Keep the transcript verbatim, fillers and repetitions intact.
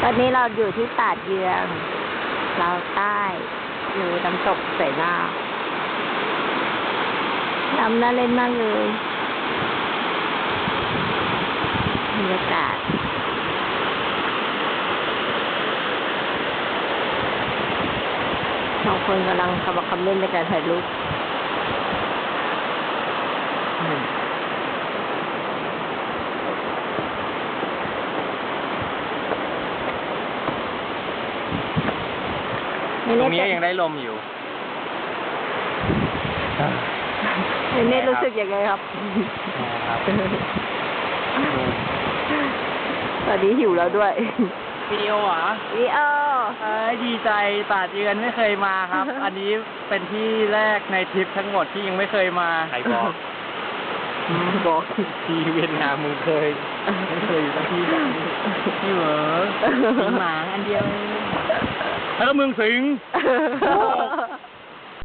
ตอนนี้เราอยู่ที่ตาดเยืองลาวใต้อยู่น้ำตกเสนาน้ำน่าเล่นมากเลยบรรยากาศบางคนกำลังขมักเขม้นในการถ่ายรูปตรงนี้ยังได้ลมอยู่เนตรู้สึกยังไงครับครับตอนนี้หิวแล้วด้วยวิดีโอเหรอวิดีโอเอ้ยดีใจตาดเยือนไม่เคยมาครับ อันนี้เป็นที่แรกในทริปทั้งหมดที่ยังไม่เคยมาใครบอกบอกที่เวียดนามมึงเคยไม่เคยอยู่ที่แบบนี้นี่เหรอสิงหมางอันเดียวแล้วก็เมืองสิงห์